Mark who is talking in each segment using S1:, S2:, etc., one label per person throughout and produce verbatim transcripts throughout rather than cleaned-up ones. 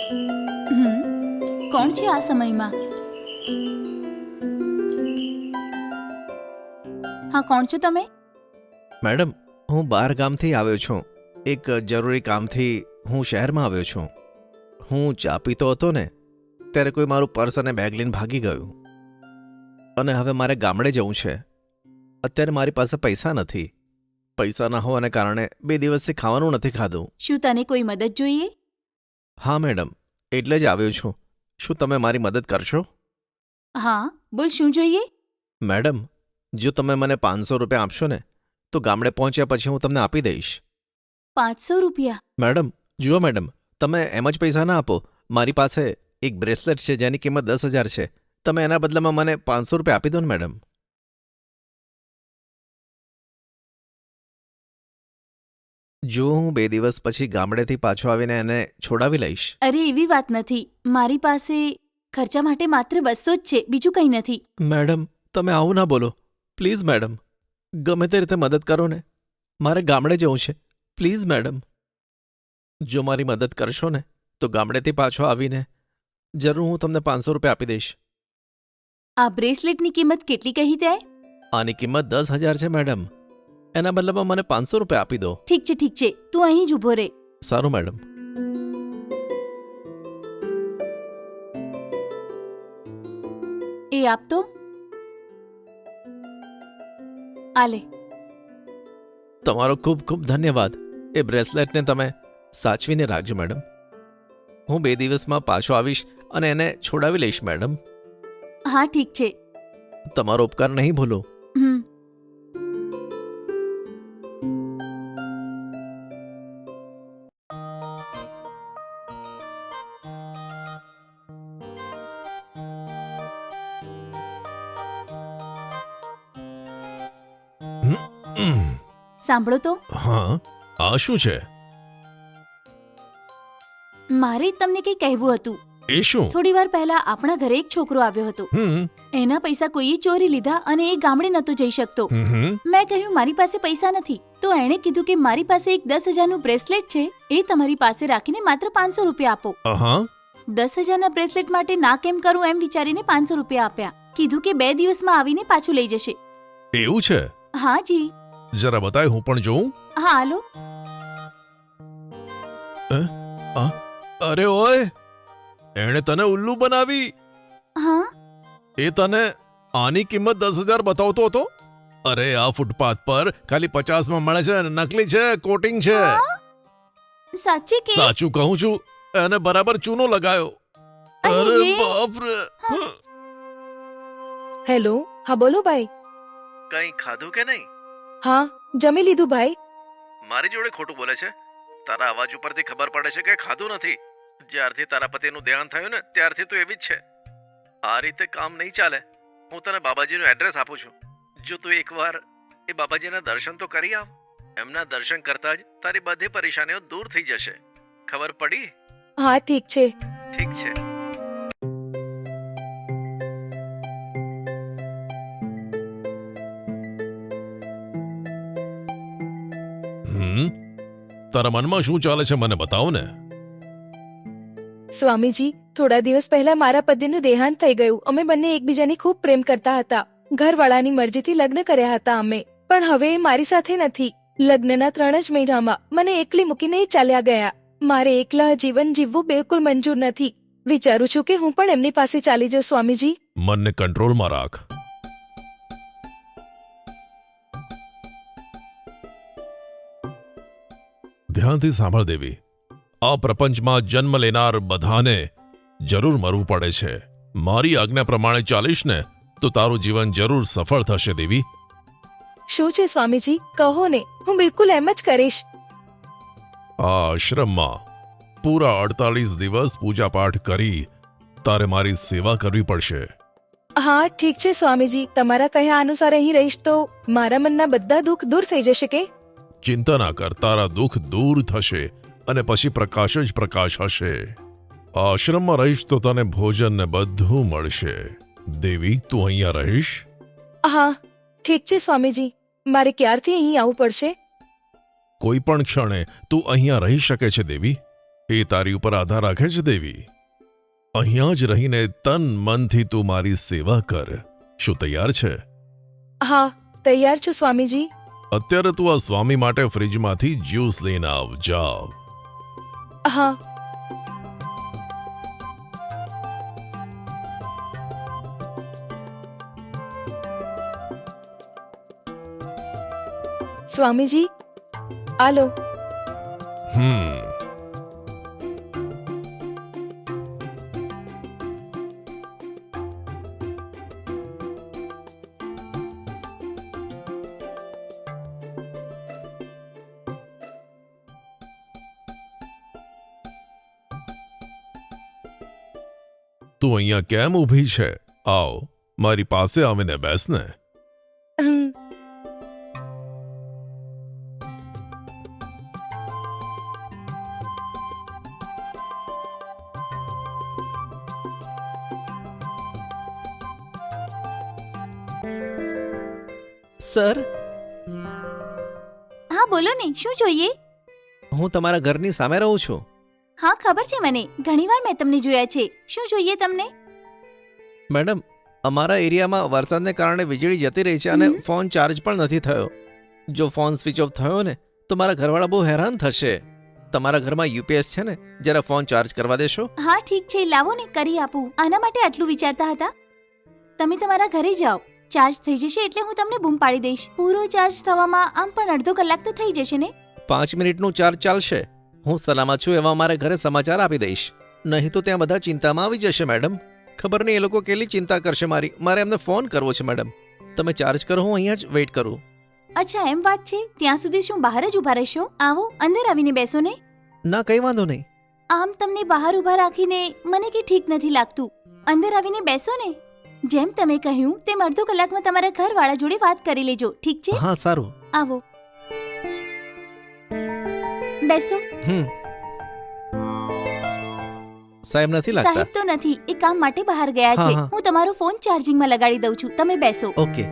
S1: હમ કોણ છે આ સમયમાં? હા, કોણ છો તમે?
S2: મેડમ, હું બહાર ગામથી આવ્યો છું. એક જરૂરી કામથી હું શહેરમાં આવ્યો છું. હું ચા પીતો હતો ને ત્યારે કોઈ મારું પર્સ અને બેગ લઈને ભાગી ગયું, અને હવે મારે ગામડે જવું છે. અત્યારે મારી પાસે પૈસા નથી. પૈસા ના હોવાને કારણે બે દિવસથી ખાવાનું નથી ખાધું.
S1: શું તને કોઈ મદદ જોઈએ?
S2: હા મેડમ, એટલે જ આવ્યો છું. શું તમે મારી મદદ કરશો?
S1: હા, બોલ, શું જોઈએ?
S2: મેડમ, જો તમે મને પાંચસો રૂપિયા આપશો ને તો ગામડે પહોંચ્યા પછી હું તમને આપી દઈશ.
S1: પાંચસો રૂપિયા?
S2: મેડમ જુઓ મેડમ, તમે એમ જ પૈસા ના આપો. મારી પાસે એક બ્રેસલેટ છે જેની કિંમત દસ હજાર છે. તમે એના બદલામાં મને પાંચસો રૂપિયા આપી દો ને મેડમ. જો હું બે દિવસ પછી ગામડેથી પાછો આવીને એને છોડાવી લઈશ.
S1: અરે, એવી વાત નથી. મારી પાસે ખર્ચા માટે માત્ર બસો જ છે, બીજું કંઈ નથી.
S2: મેડમ, તમે આવું ના બોલો પ્લીઝ. મેડમ, ગમે તે રીતે મદદ કરો ને, મારે ગામડે જવું છે. પ્લીઝ મેડમ, જો મારી મદદ કરશો ને તો ગામડેથી પાછો આવીને જરૂર હું તમને પાંચસો રૂપિયા આપી દઈશ.
S1: આ બ્રેસલેટની કિંમત કેટલી કહી તે?
S2: આની કિંમત દસ હજાર છે મેડમ. એના બદલામાં મને પાંચસો રૂપિયા આપી દો.
S1: ઠીક છે, ઠીક છે, તું અહીં જ ઊભો રહે.
S2: સારું મેડમ.
S1: એ આપ તો. આલે.
S2: તમારો ખૂબ ખૂબ ધન્યવાદ. એ બ્રેસલેટને તમે સાચવીને રાખજો મેડમ. હું બે દિવસમાં પાછો આવીશ અને એને છોડાવી લઈશ મેડમ.
S1: હા, ઠીક છે.
S2: તમારો ઉપકાર નહીં ભૂલો.
S1: હમ સાંભળો તો.
S2: હા, આ શું છે?
S1: મારે તમને કંઈ કહેવું હતું.
S2: એ શું?
S1: થોડી વાર પહેલા આપણા ઘરે એક છોકરો આવ્યો હતો.
S2: હમ
S1: એના પૈસા કોઈએ ચોરી લીધા અને એ ગામડે નહોતો જઈ શકતો.
S2: હમ
S1: મેં કહ્યું મારી પાસે પૈસા નથી. તો એણે કીધું કે મારી પાસે એક દસ હજારનું બ્રેસલેટ છે, એ તમારી પાસે રાખીને માત્ર પાંચસો રૂપિયા આપો.
S2: હા.
S1: દસ હજારના બ્રેસલેટ માટે ના કેમ કરું એમ વિચારીને પાંચસો રૂપિયા આપ્યા. કીધું કે બે દિવસમાં આવીને પાછું લઈ જશે.
S2: એવું છે?
S1: હા જી.
S2: જરા બતાય, હું પણ જોઉં.
S1: હા, હાલો.
S2: અરે ઓય, એણે તને ઉલ્લુ બનાવી.
S1: હા.
S2: એ તને આની કિંમત દસ હજાર બતાવતો હતો. અરે, આ ફૂટપાથ પર ખાલી પચાસમાં મળે છે. નકલી છે, કોટિંગ છે.
S1: સાચી કે?
S2: સાચું કહું છું, એને બરાબર ચૂનો લગાયો. અરે બાપ રે.
S3: હેલો, હા બોલો ભાઈ.
S2: કઈ ખાધું કે નહીં?
S3: હા, જમી લીધું ભાઈ.
S2: મારી જોડે ખોટું બોલે છે. તારા અવાજ ઉપરથી ખબર પડે છે કે ખાધું નથી. જ્યારથી તારા પતિનું દેહાંત થયું ને ત્યારથી તું એવી જ છે. આ રીતે કામ નહીં ચાલે. હું તને બાબાજીનું એડ્રેસ આપું છું. જો તું એકવાર એ બાબાજીના દર્શન તો કરી આવ. એમના દર્શન કરતા જ તારી બધી પરેશાનીઓ દૂર થઈ જશે. ખબર પડી?
S3: હા, ઠીક છે.
S2: ઠીક છે. હમ તારા મનમાં શું ચાલે છે મને બતાવો ને.
S3: સ્વામીજી, થોડા દિવસ પહેલા મારા પતિનું દેહાંત થઈ ગયું. અમે બંને એકબીજાની ખૂબ પ્રેમ કરતા હતા. ઘરવાળાની મરજીથી લગ્ન કર્યા હતા અમે, પણ હવે એ મારી સાથે નથી. લગ્નના ત્રણ જ મહિનામાં મને એકલી મૂકીને એ ચાલ્યા ગયા. મારે એકલા જીવન જીવવું બિલકુલ મંજૂર નથી. વિચારું છું કે હું પણ એમની પાસે ચાલી જાઉં. સ્વામીજી,
S2: મનને કંટ્રોલમાં રાખ. ધ્યાનથી સાંભળ દેવી. આ પ્રપંચમાં જન્મ લેનાર બધાને જરૂર મરવું પડે છે. મારી આજ્ઞા પ્રમાણે ચાલીશ ને તો તારું જીવન જરૂર સફળ થશે દેવી.
S3: શું છે સ્વામીજી, કહો ને, હું બિલકુલ એમ જ કરીશ.
S2: આ આશ્રમમાં પૂરા અડતાલીસ દિવસ પૂજાપાઠ કરી તારે મારી સેવા કરવી પડશે.
S3: હા, ઠીક છે સ્વામીજી. તમારા કહ્યા અનુસાર અહીં રહીશ તો મારા મનના બધા દુઃખ દૂર થઈ જશે કે?
S2: ચિંતા ના કર, તારા દુઃખ દૂર થશે અને પછી પ્રકાશ જ પ્રકાશ હશે. આશ્રમમાં રહીશ તો તને ભોજન ને બધું મળશે. દેવી, તું અહીંયા રહીશ?
S3: હા, ઠીક છે સ્વામીજી. મારે ક્યારથી અહીં આવવું પડશે?
S2: કોઈ પણ ક્ષણે તું અહીંયા રહી શકે છે દેવી.
S4: એ તારી ઉપર આધાર રાખે છે દેવી. અહીંયા જ રહીને તન મનથી તું મારી સેવા કર. શું તૈયાર છે?
S3: હા, તૈયાર છું સ્વામીજી.
S4: અત્યારે તું આ સ્વામી માટે ફ્રીજમાંથી જ્યુસ લઈને આવ. જાવ.
S3: હા. સ્વામીજી, આલો.
S4: હમ તું અહીંયા કેમ ઊભી છે? આવ, મારી પાસે આવીને બેસ ને.
S3: હમ.
S5: સર,
S1: હા બોલો ને, શું જોઈએ?
S5: હું તમારા ઘરની સામે રહું છું.
S1: હા ખબર છે મને, ઘણીવાર મેં તમને જોયા છે. શું જોઈએ તમને?
S5: મેડમ, અમારા એરિયામાં વરસાદને કારણે વીજળી જતી રહી છે અને
S1: હમ.
S5: ફોન ચાર્જ પણ નથી થયો. જો ફોન સ્વિચ ઓફ થયો ને તો મારા ઘરવાળા બહુ હેરાન થશે. તમારા ઘરમાં યુપીએસ છે ને? જરા ફોન ચાર્જ કરવા દેશો?
S1: હા ઠીક છે, લાવો ને, કરી આપું. આના માટે આટલું વિચારતા હતા? તમે તમારા ઘરે જાઓ, ચાર્જ થઈ જશે એટલે હું તમને બૂમ પાડી દઈશ. પૂરો ચાર્જ થવામાં આમ પણ અડધો કલાક તો થઈ જશે ને.
S5: પાંચ મિનિટનું ચાર્જ ચાલશે. હું સલામત છું એવા મારે ઘરે સમાચાર આપી દઈશ. નહીં તો ત્યાં બધા ચિંતામાં આવી જશે મેડમ. ખબર નહીં એ લોકો કેટલી ચિંતા કરશે મારી. મારે એમને ફોન કરવો છે મેડમ. તમે ચાર્જ કરો, હું અહીંયા જ વેઇટ કરું.
S1: અચ્છા એમ વાત છે? ત્યાં સુધી શું બહાર જ ઊભા રહેશો? આવો, અંદર આવીને બેસો ને.
S5: ના, કંઈ વાંધો નહીં.
S1: આમ તમને બહાર ઊભા રાખીને મને કે ઠીક નથી લાગતું. અંદર આવીને બેસો ને. જેમ તમે કહ્યું તેમ અડધો કલાકમાં તમારા ઘરવાળા જોડે વાત કરી લેજો, ઠીક છે?
S5: હા, સારું.
S1: આવો, બેસો.
S5: હમ સાહેબ નથી લાગતા?
S1: સાહેબ તો નથી, એ કામ માટે બહાર ગયા
S5: હા,
S1: છે.
S5: હા.
S1: હું તમારો ફોન ચાર્જિંગમાં લગાડી દઉં છું, તમે બેસો.
S5: ઓકે.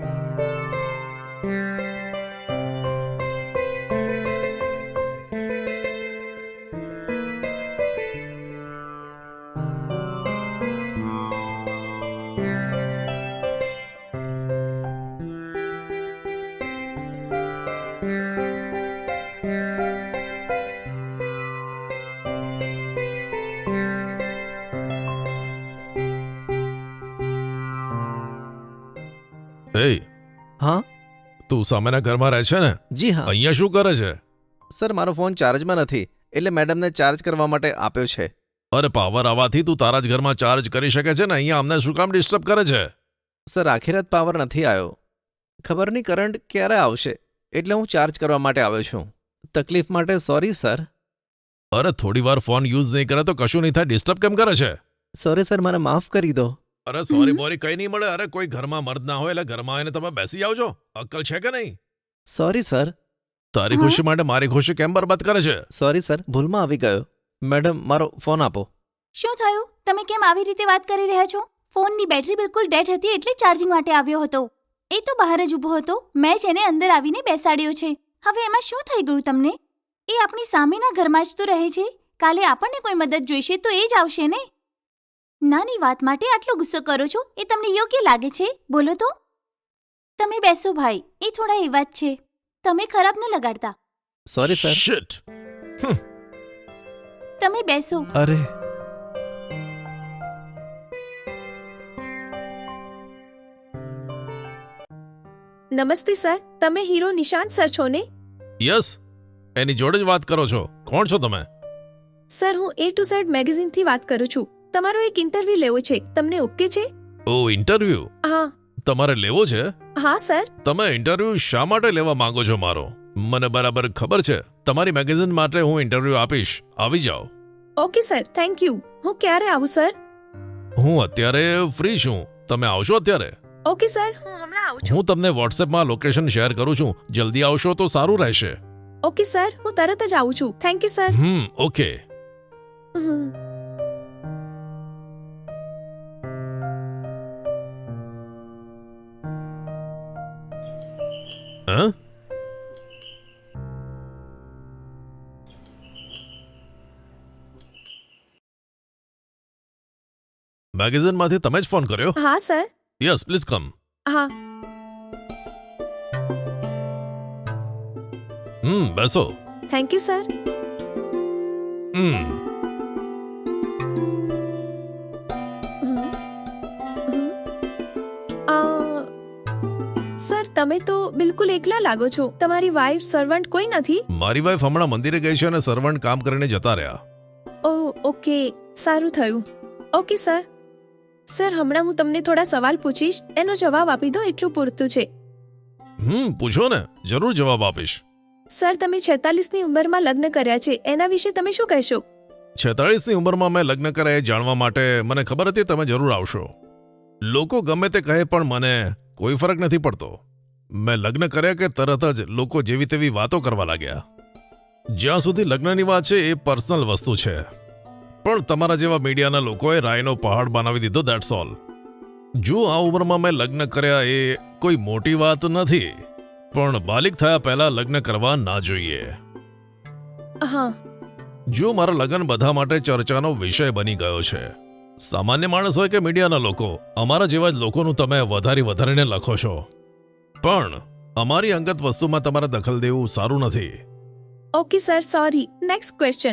S4: એ,
S5: હા
S4: તું સામેના ઘરમાં રહે છે ને?
S5: જી હા.
S4: અહીંયા શું કરે છે?
S5: સર, મારો ફોન ચાર્જમાં નથી એટલે મેડમને ચાર્જ કરવા માટે આપ્યો છે.
S4: અરે, પાવર આવવાથી તું તારા જ ઘરમાં ચાર્જ કરી શકે છે ને. અહીંયા અમને શું કામ ડિસ્ટર્બ કરે છે?
S5: સર, આખી રાત પાવર નથી આવ્યો. ખબર નહીં કરંટ ક્યારે આવશે, એટલે હું ચાર્જ કરવા માટે આવ્યો છું. તકલીફ માટે સોરી સર.
S4: અરે, થોડી વાર ફોન યુઝ નહીં કરે તો કશું નહીં થાય, ડિસ્ટર્બ કેમ કરે છે?
S5: સોરી સર, મને માફ કરી દો.
S4: અરે સોરી
S1: હમ.
S4: બોરી કઈ નહીં મળે. અરે, કોઈ ઘરમાં મર્દ ના હોય એટલે ઘરમાં આવીને તમે બેસી આવજો. અક્કલ છે કે નહીં?
S5: Sorry sir.
S4: તારી
S1: હા?
S4: ખુશી માટે મારી ખુશી કેમ બરબાદ કરે છે?
S5: સોરી સર, ભૂલમાં આવી ગયો. મેડમ, મારો ફોન આપો.
S1: શું થયું? તમે કેમ આવી રીતે વાત કરી રહ્યા છો? ફોનની બેટરી બિલકુલ ડેડ હતી એટલે ચાર્જિંગ માટે આવ્યો હતો. એ તો બહાર જ ઊભો હતો, મેં જ એને અંદર આવીને બેસાડ્યો છે. હવે એમાં શું થઈ ગયું તમને? એ આપણી સામેના ઘરમાં જ તો રહે છે. કાલે આપણને કોઈ મદદ જોઈશે તો એ જ આવશે ને. નાની વાત માટે આટલો ગુસ્સો કરો છો, એ તમને યોગ્ય લાગે છે? બોલો તો. તમે બેસો ભાઈ, એ થોડા એવા જ છે. તમે ખરાબ ન લગાડતા.
S5: Sorry sir.
S4: Shit.
S1: તમે બેસો.
S5: અરે,
S3: નમસ્તે સર, તમે હીરો નિશાંત સર છો ને?
S4: યસ, એની જોડે જ વાત કરો છો. કોણ છો તમે?
S3: સર, હું એ ટુ ઝેડ મેગેઝિનથી વાત કરું છું. તમારો એક ઇન્ટરવ્યુ લેવો છે, તમને ઓકે છે?
S4: ઓ, ઇન્ટરવ્યુ
S3: હા.
S4: તમારે લેવો છે?
S3: હા સર.
S4: તમે ઇન્ટરવ્યુ શા માટે લેવા માંગો છો મારો? મને બરાબર ખબર છે. તમારી મેગેઝિન માટે હું ઇન્ટરવ્યુ આપીશ. આવી જાઓ.
S3: Okay sir, thank you. હું ક્યારે આવું સર?
S4: હું અત્યારે ફ્રી છું. તમે આવશો અત્યારે?
S3: ઓકે સર, હું હમણાં આવું છું.
S4: હું તમને વોટ્સએપમાં લોકેશન શેર કરું છું. જલ્દી આવશો તો સારું રહેશે.
S3: ઓકે સર, હું તરત જ આવું છું. Thank you sir.
S4: Hmm okay.
S3: Hmm.
S4: હા? મેગેઝિનમાંથી તમે જ ફોન કર્યો?
S3: હા સર.
S4: Yes please come.
S3: હા.
S4: હમ બેસો.
S3: Thank you sir.
S4: Hmm
S3: sir તમે તો બિલકુલ એકલા લાગો છો. તમારી વાઈફ સર્વન્ટ કોઈ નથી?
S4: મારી વાઈફ હમણાં મંદિરે ગઈ છે અને સર્વન્ટ કામ કરીને જતા રહ્યા.
S3: ઓ ઓકે, સારું થયું. Okay sir. સર હમણાં હું તમને થોડા સવાલ પૂછીશ, એનો જવાબ આપી દો એટલું પૂરતું છે.
S4: હમ પૂછો ને, જરૂર જવાબ આપીશ.
S3: સર તમે છેતાલીસની ઉંમરમાં લગ્ન કર્યા છે, એના વિશે તમે શું કહેશો?
S4: છેતાળીસની ઉંમરમાં મેં લગ્ન કર્યા એ જાણવા માટે મને ખબર હતી તમે જરૂર આવશો. લોકો ગમે તે કહે પણ મને કોઈ ફરક નથી પડતો. મેં લગ્ન કર્યા કે તરત જ લોકો જેવી તેવી વાતો કરવા લાગ્યા. જ્યાં સુધી લગ્નની વાત છે એ પર્સનલ વસ્તુ છે, પણ તમારા જેવા મીડિયાના લોકોએ રાયનો પહાડ બનાવી દીધો, દેટ્સ ઓલ. જો આ ઉંમરમાં મેં લગ્ન કર્યા એ કોઈ મોટી વાત નથી, પણ બાલિક થયા પહેલા લગ્ન કરવા ના જોઈએ.
S3: હા.
S4: જો મારા લગ્ન બધા માટે ચર્ચાનો વિષય બની ગયો છે. સામાન્ય માણસ હોય કે મીડિયાના લોકો, અમારા જેવા જ લોકોનું તમે વધારે વધારીને લખો છો, પણ અમારી અંગત વસ્તુમાં તમારે દખલ દેવું સારું નથી.
S3: Okay sir, sorry. Next question.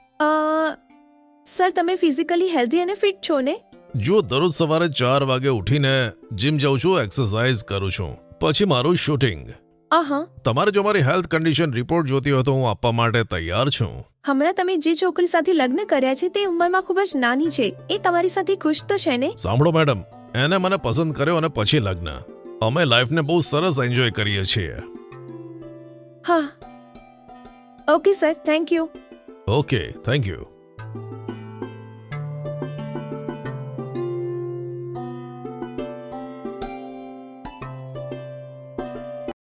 S3: Sir તમે ફિઝિકલી હેલ્ધી અને ફિટ છો ને?
S4: જો દરરોજ સવારે ચાર વાગે ઉઠીને જીમ જાઉં છું, એક્સરસાઇઝ કરું છું, પછી મારું શૂટિંગ.
S3: આહા.
S4: તમારે જો મારી હેલ્થ કન્ડિશન રિપોર્ટ જોતી હોય તો હું આપવા માટે તૈયાર છું.
S3: હમણાં તમે જે છોકરી સાથે લગ્ન કર્યા છે તે ઉંમરમાં ખૂબ જ નાની છે, એ તમારી સાથે ખુશ તો છે ને?
S4: સાંભળો મેડમ, એને મને પસંદ કર્યો અને પછી લગ્ન. અમે લાઈફને બહુ સરસ એન્જોય કરીએ છીએ.
S3: હા. Okay sir, thank you.
S4: Okay, thank you.